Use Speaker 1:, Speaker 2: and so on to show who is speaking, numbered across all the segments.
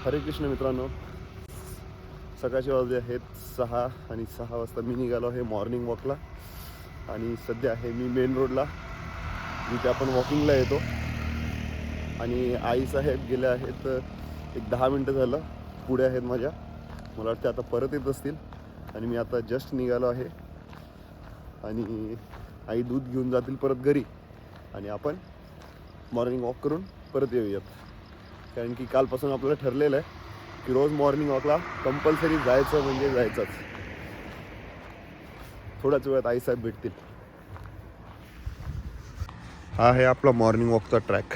Speaker 1: हरे कृष्ण मित्रांनो, सकाळचे वाजले आहेत 6 आणि 6 वाजता मी निघालो आहे मॉर्निंग वॉकला. आणि सध्या आहे मी मेन रोडला, जिथे आपण वॉकिंगला येतो. आणि आईसाहेब गेले आहेत एक 10 मिनटं झालं, पुढे आहेत माझ्या. मला वाटतं आता परत येत असतील. आणि मी आता जस्ट निघालो आहे. आणि आई दूध घेऊन जातील परत घरी आणि आपण मॉर्निंग वॉक करून परत येऊयात. कारण की कालपासून आपल्याला ठरलेलं आहे की रोज मॉर्निंग वॉकला कंपल्सरी जायचं म्हणजे जायचंच. थोड्याच वेळात आईसाहेब भेटतील. हा आहे आपला मॉर्निंग वॉकचा ट्रॅक.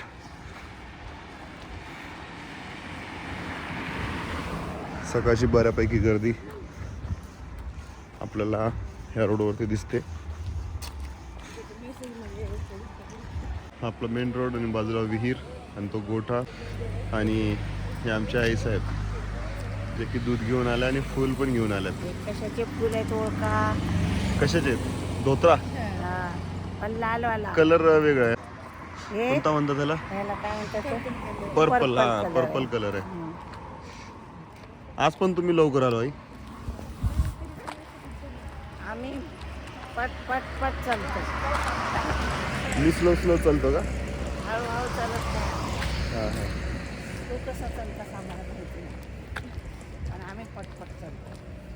Speaker 1: सकाळची बऱ्यापैकी गर्दी आपल्याला ह्या रोडवरती दिसते. हा आपला मेन रोड आणि बाजूला विहीर आणि तो गोठा. आणि हे आमचे आईसाहेब जे की दूध घेऊन आले आणि फुल पण घेऊन आल्यात.
Speaker 2: कशाचे फुल आहेत ओळखा?
Speaker 1: कशाचे आहेत? धोत्रा.
Speaker 2: पण लालवाला
Speaker 1: कलर वेगळा आहे.
Speaker 2: हे
Speaker 1: कोणता म्हणतात त्याला?
Speaker 2: ह्याला काय म्हणतात?
Speaker 1: पर्पल. हा, पर्पल कलर आहे. आज पण तुम्ही लवकर आलो आई?
Speaker 2: आम्ही पट पट पट चालतो.
Speaker 1: मी स्लो चालतो का?
Speaker 2: हळूहळू चालत नाही.
Speaker 1: हां हां.
Speaker 2: तू कसा चालतास आम्हाला माहिती नाही, पण आम्ही पटपट चालतो.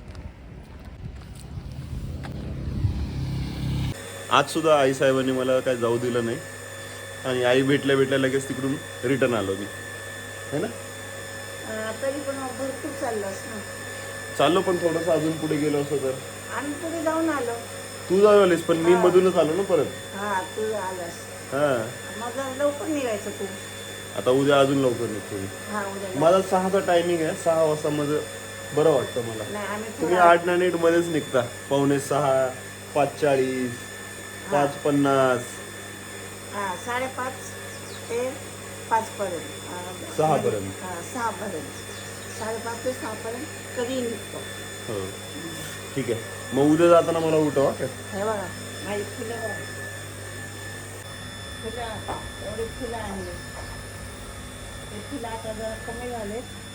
Speaker 1: आज सुद्धा आईसाहेबांनी मला काय जाऊ दिलं नाही. आणि आई भेटल्या लगेच तिकडून रिटर्न आलो मी, है ना.
Speaker 2: तरी पण भरपूर चाललास ना.
Speaker 1: चाललो पण थोडंसं अजून पुढे गेलो असतो तर.
Speaker 2: आम्ही पुढे जाऊन आलो.
Speaker 1: तू जाऊ आलीस पण मी मधूनच आलो ना परत.
Speaker 2: हा, तू आलास.
Speaker 1: हां.
Speaker 2: मग लवकर निघायचं तू.
Speaker 1: आता उद्या अजून लवकर निघतो मी.
Speaker 2: हा, उद्या
Speaker 1: माझा 6चा टायमिंग आहे. 6 वाजता माझं बरं वाटतं मला.
Speaker 2: नाही, आम्ही
Speaker 1: तुम्ही 8 मध्येच निघता. 5:45, 5:40, 5:50.
Speaker 2: 5:30 ते 5 पर्यंत.
Speaker 1: 6 पर्यंत.
Speaker 2: 6 पर्यंत. 5:30 ते 6 पर्यंत कधी निघतो.
Speaker 1: हो, ठीक आहे. मग उद्या जाताना मला उठवा.
Speaker 2: हे बघा माझी फुलं बघा. एवढी फुलं आणली. ते फुलं आता जरा कमी झाले.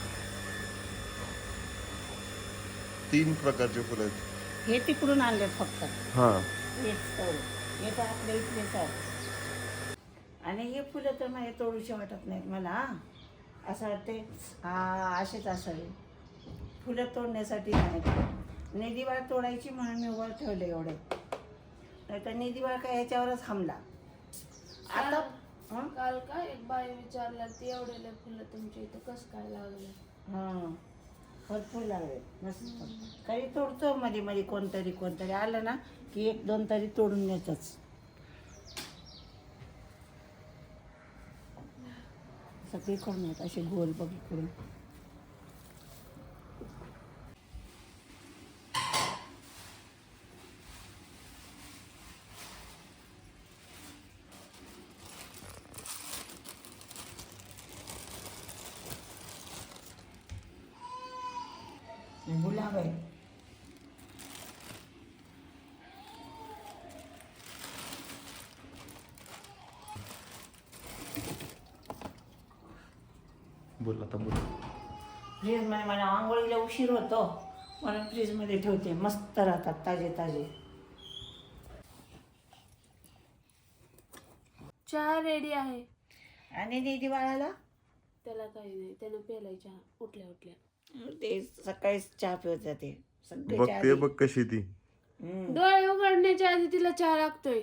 Speaker 1: 3 प्रकारचे फुलं आहेत.
Speaker 2: हे तिकडून आणले फक्त.
Speaker 1: हां.
Speaker 2: हेच तोड. हे तर आपल्या इथलेच आहेत. आणि हे फुलं तर मला तोडूशी वाटत नाहीत मला. असं वाटते असेच असावे. फुलं तोडण्यासाठी नाही. निधीवाळ तोडायची म्हणून मी वर ठेवले एवढे. नाही तर निधीवाळ काय ह्याच्यावरच हमला. आता
Speaker 3: काल का एक बाई विचारला ती एवढेले फुलं तुमच्या इथं कसं काय लागले?
Speaker 2: हां, भरपूर लागले. मस्त. काही तोडतो मध्ये मध्ये कोणतरी आलं ना की 1-2 तरी तोडून नेतच. सगळीकडून येत असे गोल बघीकडून. गुलाब आहे.
Speaker 1: बोल आता बोल.
Speaker 2: फ्रीजमध्ये मला आंघोळीला उशीर होतो म्हणून फ्रीजमध्ये ठेवते. मस्त राहतात ताजे.
Speaker 3: चहा रेडी आहे.
Speaker 2: आणि निधी बाळाला
Speaker 3: त्याला काही नाही, त्यानं प्यायला चहा उठल्या.
Speaker 2: ते सकाळीच चहा पिवत जाते. सगळे चहा
Speaker 1: बघते बघ कशी ती.
Speaker 3: डोळे उघडण्याच्या आधी तिला चहा लागतोय.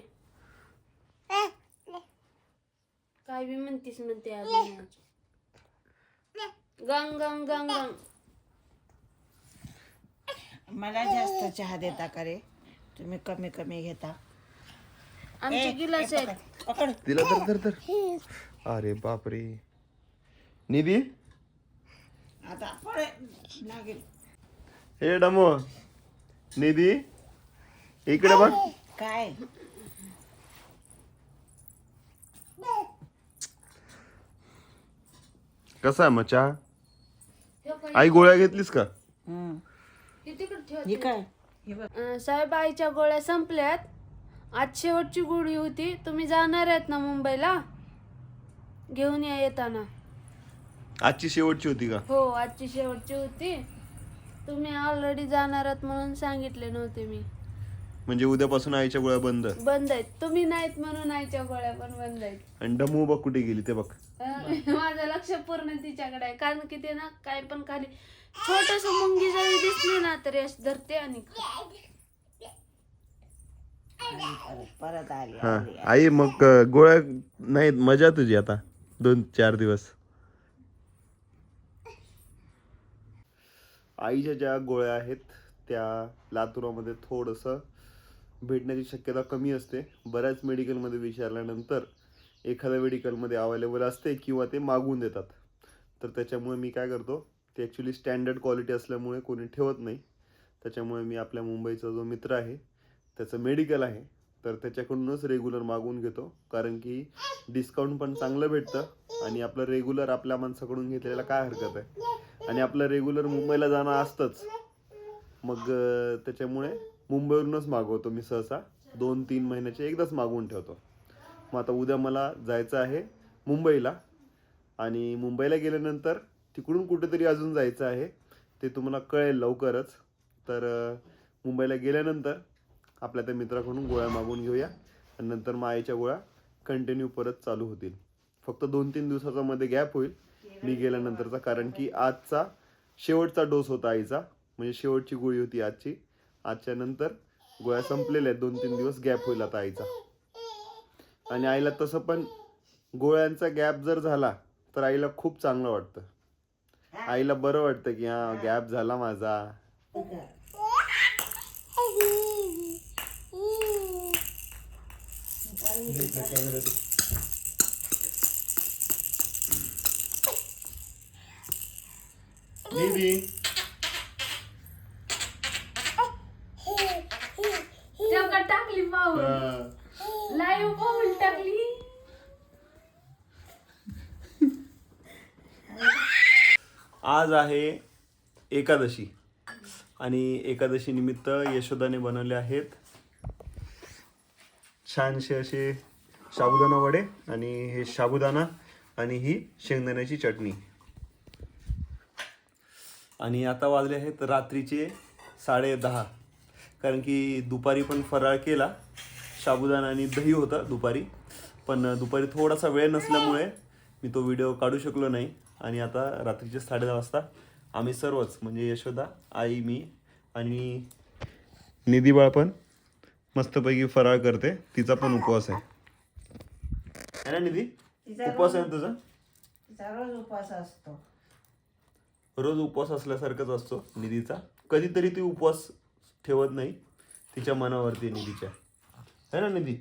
Speaker 3: काय बी म्हणते आज. गंग.
Speaker 2: मला जास्त चहा देता का रे? तुम्ही कमी घेता.
Speaker 3: आमचे गिलास आहेत.
Speaker 2: पकड.
Speaker 1: तिला तर. अरे बापरे. निधी
Speaker 2: आता पळे लागेल.
Speaker 1: हे डमो. निधी इकडे बघ.
Speaker 2: काय
Speaker 1: कसा आहे मग चहा? आई गोळ्या घेतलीस का?
Speaker 3: हे तिकडे ठेव.
Speaker 2: हे काय? हे बघ.
Speaker 3: साहेब आईच्या गोळ्या संपल्यात. आज शेवटची गोळी होती. तुम्ही जाणार आहेत ना मुंबईला? घेऊन या येताना.
Speaker 1: आजची शेवटची होती का?
Speaker 3: हो आजची शेवटची होती. तुम्ही ऑलरेडी जाणार आहात म्हणून सांगितले नव्हते मी.
Speaker 1: म्हणजे उद्यापासून आईच्या गोळ्या बंद.
Speaker 3: बंद आहेत. तुम्ही नाहीत म्हणून आईच्या गोळ्या पण बंद आहेत.
Speaker 1: आणि डमू बघ कुठे गेली ते बघ.
Speaker 3: माझं लक्ष पूर्ण तिच्याकडे आहे, कारण की ते ना काय पण खाली छोटस मुंगी जरी दिसली ना तरी अशी धरते आणि
Speaker 2: परत आली
Speaker 1: हा
Speaker 2: आली.
Speaker 1: आई मग गोळ्या नाही, मजा तुझी आता 2-4 दिवस. आईच्या ज्या गोळ्या आहेत त्या लातूरामध्ये थोडंसं भेटण्याची शक्यता कमी असते. बऱ्याच मेडिकलमध्ये विचारल्यानंतर एखाद्या मेडिकलमध्ये अवेलेबल असते किंवा ते मागवून देतात. तर त्याच्यामुळे मी काय करतो, ते ॲक्च्युली स्टँडर्ड क्वालिटी असल्यामुळे कोणी ठेवत नाही. त्याच्यामुळे मी आपल्या मुंबईचा जो मित्र आहे त्याचं मेडिकल आहे तर त्याच्याकडूनच रेग्युलर मागवून घेतो. कारण की डिस्काउंट पण चांगलं भेटतं आणि आपलं रेग्युलर आपल्या माणसाकडून घेतलेला काय हरकत आहे. आणि आपलं रेग्युलर मुंबईला जाणं असतंच. मग त्याच्यामुळे मुंबईवरूनच मागवतो मी सहसा. 2-3 महिन्याचे एकदाच मागवून ठेवतो. मग आता उद्या मला जायचं आहे मुंबईला आणि मुंबईला गेल्यानंतर तिकडून कुठेतरी अजून जायचं आहे. ते तुम्हाला कळेल लवकरच. तर मुंबईला गेल्यानंतर आपल्या त्या मित्राकडून गोळ्या मागवून घेऊया आणि नंतर मग आईच्या गोळ्या कंटिन्यू परत चालू होतील. फक्त 2-3 दिवसाचा मध्ये गॅप होईल मी गेल्यानंतरचा, कारण की आजचा शेवटचा डोस होता आईचा. म्हणजे शेवटची गोळी होती आजची. आजच्या नंतर गोळ्या संपलेल्या आहेत. 2-3 दिवस गॅप होईल आता आईचा. आणि आईला तसं पण गोळ्यांचा गॅप जर झाला तर आईला खूप चांगलं वाटतं. आईला बरं वाटतं की हा गॅप झाला माझा.
Speaker 3: तेव्हा टाकली पाऊल, लाईव्ह पाऊल टाकली.
Speaker 1: आज आहे एकादशी आणि एकादशी निमित्त यशोदाने बनवले आहेत छानसे असे साबुदाणा वडे आणि हे साबुदाणा आणि ही शेंगदाण्याची चटणी. आणि आता वाजले आहेत रात्रीचे 10:30. कारण की दुपारी पण फराळ केला. साबुदाणा आणि दही होता दुपारी, पण दुपारी थोडासा वेळ नसल्यामुळे मी तो व्हिडिओ काढू शकलो नाही. आणि आता रात्रीचे 10:30 वाजता आम्ही सर्वच म्हणजे यशोदा, आई, मी आणि निधीबाळ पण मस्तपैकी फराळ करते. तिचा पण उपवास आहे ना निधी? उपवास आहे ना तुझा?
Speaker 2: तिचा रोज उपवास असतो.
Speaker 1: रोज उपवास असल्यासारखाच असतो निधीचा. कधीतरी ती उपवास ठेवत नाही, तिच्या मनावरती निधीच्या, है ना निधी?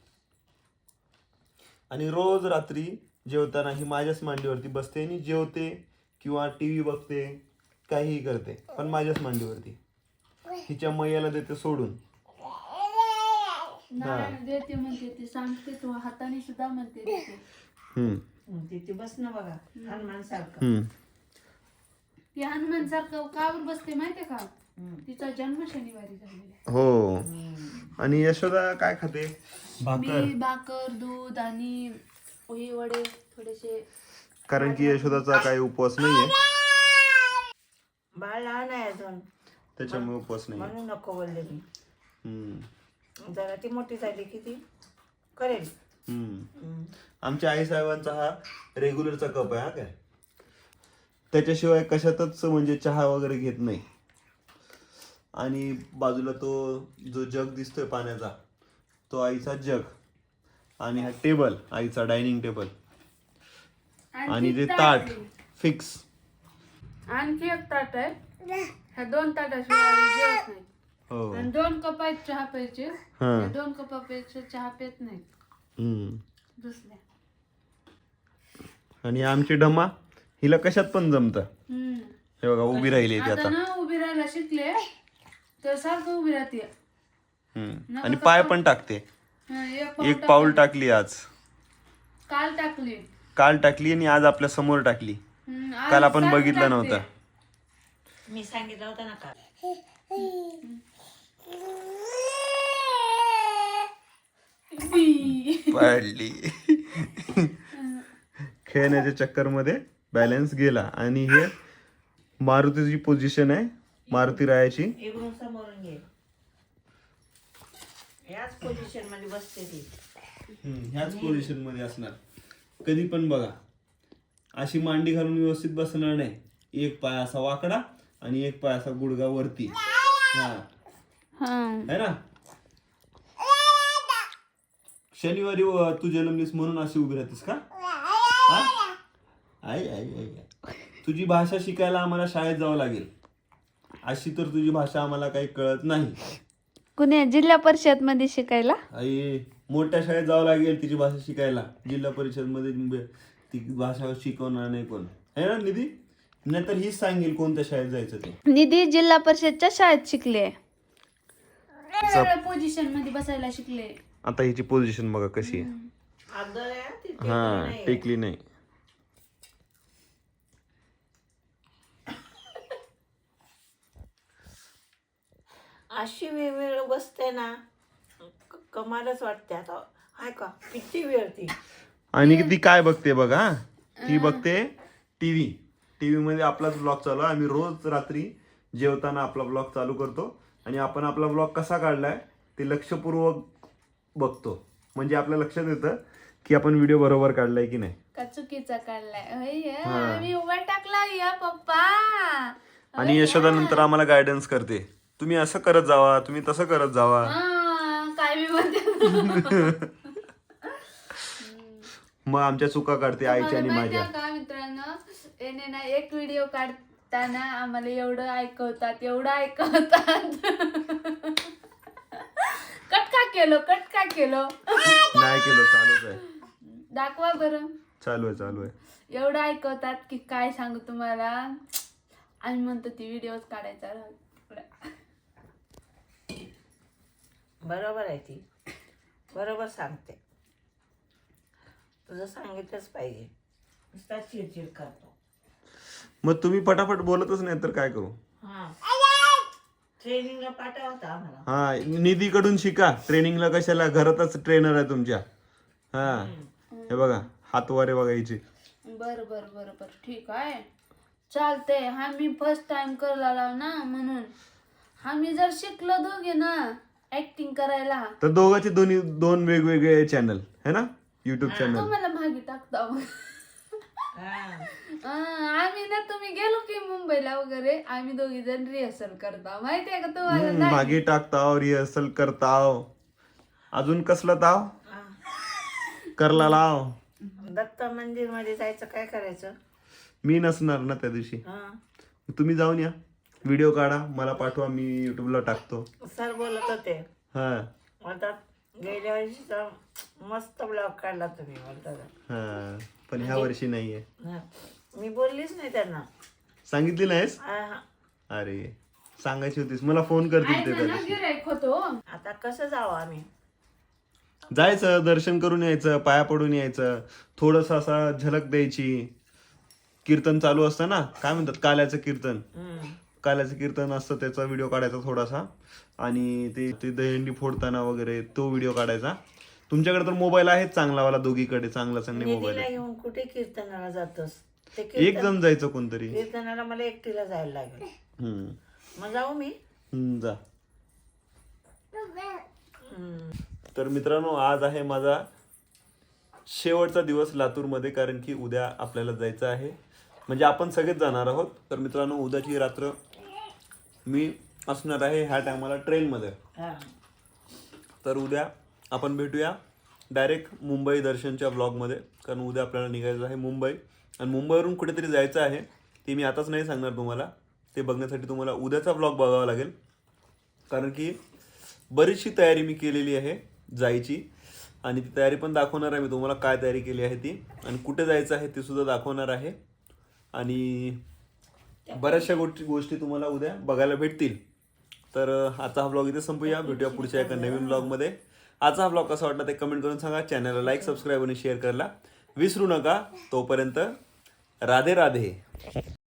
Speaker 1: आणि रोज रात्री जेवताना ही माझ्याच मांडीवरती बसते आणि जेवते किंवा टीव्ही बघते, काहीही करते, पण माझ्याच मांडीवरती. तिच्या मैयाला देते सोडून.
Speaker 3: नारायण देते म्हणते, ती सांगते, तू हाताने सुद्धा म्हणते देते.
Speaker 2: तिथे बस ना बघा हनुमान सारखं.
Speaker 3: ती हनुमान सारखं कावर बसते माहितीये का? तिचा जन्म शनिवारी झालेला
Speaker 1: हो. आणि यशोदा काय खाते? भाकर.
Speaker 3: मी भाकर, दूध आणि पोहे वडे थोडेसे.
Speaker 1: कारण की यशोदाचा काही उपवास नाहीये,
Speaker 2: बाळ लहान आहे अजून,
Speaker 1: त्याच्यामुळे उपवास नाही.
Speaker 2: म्हणून नको बोलले मी. जरा ती मोठी झाली की ती करेल.
Speaker 1: आमच्या आई साहेबांचा हा रेग्युलरचा कप आहे. हा काय त्याच्याशिवाय कशातच म्हणजे चहा वगैरे घेत नाही. आणि बाजूला तो जो जग दिसतोय पाण्याचा, तो आईचा जग. आणि हा टेबल आईचा डायनिंग टेबल. आणि ते ताट फिक्स.
Speaker 3: आणखी एक ताट आहे. ह्या 2 ताटाशिवाय आम्ही जेवत नाही.
Speaker 1: हो.
Speaker 3: आणि 2 कप आहेत चहा प्यायचे. 2 कपापेक्षा चहा पेत नाही दुसऱ्या.
Speaker 1: आणि आमची डमा हिला कशात पण जमत. हे बघा उभी राहिली ती
Speaker 3: आता ना उभी राहायला शिकले तर सारखं उभी राहते.
Speaker 1: आणि पाय पण टाकते. एक पाऊल टाकली आज, काल टाकली आणि आज आपल्या समोर टाकली. काल आपण बघितलं नव्हतं.
Speaker 2: मी सांगितलं होतं ना काल.
Speaker 1: पडली. खेळण्याच्या चक्कर मध्ये बॅलन्स गेला. आणि हे मारुतीची पोझिशन आहे, मारुती रायाची.
Speaker 2: इकडून समोरून घे. याच पोझिशन मध्ये बसते ती.
Speaker 1: ह्याच पोझिशन मध्ये असणार. कधी पण बघा अशी मांडी घालून व्यवस्थित बसणार नाही. एक पाय असा वाकडा आणि एक पाय असा गुडगा वरती. हा है ना. शनिवारी तू जन्मलीस म्हणून अशी उभी राहतेस का? आई आई आई. तुझी भाषा शिकायला आम्हाला शाळेत जावं लागेल. अशी तर तुझी भाषा आम्हाला काही कळत नाही.
Speaker 3: कुणी जिल्हा परिषद मध्ये शिकायला?
Speaker 1: आई मोठ्या शाळेत जावं लागेल तिची भाषा शिकायला. जिल्हा परिषद मध्ये ती भाषा शिकवणार नाही कोण, है ना निधी? नाहीतर हीच सांगेल कोणत्या शाळेत जायचं ते.
Speaker 3: निधी जिल्हा परिषदच्या शाळेत शिकले, पोझिशन मध्ये बसायला शिकले.
Speaker 1: आता हिची पोझिशन बघा कशी आहे.
Speaker 2: आदळ आहे ती, टेकली
Speaker 1: हा
Speaker 2: नाही.
Speaker 1: टेकली नाही.
Speaker 2: अशी वेळ बसते ना, कमालच वाटते. आता हाय का किती वेळ ती.
Speaker 1: आणि ती काय बघते बघा, ती बघते टीव्ही. टीव्ही मध्ये आपलाच ब्लॉग चालू आहे. आम्ही रोज रात्री जेवताना आपला ब्लॉग चालू करतो आणि आपण आपला ब्लॉग कसा काढलाय ते लक्षपूर्वक बघतो. म्हणजे आपल्या लक्षात येतं की आपण व्हिडिओ बरोबर काढलाय की नाही.
Speaker 3: का चुकीचा काढलाय. मी उभा टाकला या पप्पा.
Speaker 1: आणि यशोदा नंतर आम्हाला गायडन्स करते, तुम्ही असं करत जावा, तुम्ही तसं करत जावा.
Speaker 3: काय मी म्हणते.
Speaker 1: मग आमच्या चुका काढते आईच्या आणि माझ्या.
Speaker 3: का मित्रांनो, याने ना एक व्हिडिओ काढताना आम्हाला एवढं ऐकवतात, एवढं ऐकवतात. कट का केलं
Speaker 1: नाही केलं, चालूच आहे.
Speaker 3: दाखवा बरं.
Speaker 1: चालू आहे.
Speaker 3: एवढं ऐकवतात की काय सांगू तुम्हाला. आम्ही म्हणतो ती व्हिडिओ काढायचा राहू.
Speaker 2: बरोबर आहे ती, बरोबर सांगते. तुझं सांगितलंच पाहिजे. नुसता चिडचिड करतो.
Speaker 1: मग तुम्ही पटापट बोलतच नाही तर काय करू.
Speaker 2: हा ट्रेनिंगला पाठवता आम्हाला.
Speaker 1: हा निधीकडून शिका ट्रेनिंगला. कशाला, घरातच ट्रेनर आहे तुमच्या. हा हे बघा हातवारे बघायचे.
Speaker 3: बर ठीक आहे, चालतंय. आम्ही फर्स्ट टाइम करायला ना, म्हणून आम्ही जर शिकलो दोघे ना ऍक्टिंग करायला,
Speaker 1: तर दोघांचे दोन वेगवेगळे चॅनल है ना, युट्यूब चॅनल.
Speaker 3: तुम्हाला मागे टाकता. आम्ही ना तुम्ही गेलो की मुंबईला वगैरे, आम्ही दोघी जण रिहर्सल करता. माहितीये का तुम्हाला?
Speaker 1: मागे टाकताव, रिहर्सल करताव. अजून कसलं ताव करला लाव.
Speaker 2: दत्त मंदिर मध्ये जायचं, काय करायचं?
Speaker 1: मी नसणार ना त्या दिवशी. तुम्ही जाऊन या, व्हिडिओ काढा, मला पाठवा, मी युट्यूबला टाकतो.
Speaker 2: सर बोलत होते.
Speaker 1: हा
Speaker 2: आता गेल्या वर्षीचा मस्त ब्लॉग काढला तुम्ही बोलता.
Speaker 1: हा पण ह्या वर्षी नाहीये.
Speaker 2: मी बोललीच नाही त्यांना.
Speaker 1: सांगितली नाहीस? अरे सांगायची होतीस, मला फोन करतील ते त्या दिवशी.
Speaker 3: गिऱ्हाईक होतो.
Speaker 2: आता कसं जावं आम्ही?
Speaker 1: जायचं, दर्शन करून यायचं, पाया पडून यायचं, थोडस असा झलक द्यायची. कीर्तन चालू असतं ना, काय म्हणतात, काल्याचं कीर्तन. काल्याचं कीर्तन असतं, त्याचा व्हिडिओ काढायचा थोडासा. आणि ते दहीहंडी फोडताना वगैरे तो व्हिडिओ काढायचा. तुमच्याकडे तर मोबाईल आहे चांगलावाला, दोघीकडे चांगले मोबाईल आहे.
Speaker 2: घेऊन कुठे कीर्तनाला जातोस?
Speaker 1: एक जण जायचं कोणतरी.
Speaker 2: कीर्तनाला मला एकटीला जायला लागेल. मग जाऊ मी.
Speaker 1: जा. तर मित्रांनो, आज आहे माझा शेवटचा दिवस लातूरमध्ये, कारण की उद्या आपल्याला जायचं आहे. म्हणजे आपण सगळेच जाणार आहोत. तर मित्रांनो, उद्याची रात्र मी असणार आहे ह्या टायमाला ट्रेनमध्ये. तर उद्या आपण भेटूया डायरेक्ट मुंबई दर्शनच्या ब्लॉगमध्ये, कारण उद्या आपल्याला निघायचं आहे मुंबई. आणि मुंबईवरून कुठेतरी जायचं आहे, ते मी आताच नाही सांगणार तुम्हाला. ते बघण्यासाठी तुम्हाला उद्याचा ब्लॉग बघावा लागेल, कारण की बरीचशी तयारी मी केलेली आहे जायची. आणि ती तयारी पण दाखवणार आहे मी तुम्हाला, काय तयारी केली आहे ती, आणि कुठे जायचं आहे ते सुद्धा दाखवणार आहे. आणि बऱ्याचशा गोष्टी तुम्हाला उद्या बघायला भेटतील. तर आजचा हा ब्लॉग इथे संपूया. भेटूया पुढच्या एका नवीन ब्लॉगमध्ये. आजचा हा ब्लॉग कसा वाटला ते कमेंट करून सांगा. चॅनलला लाईक, सबस्क्राईब आणि शेअर करायला विसरू नका. तोपर्यंत राधे राधे.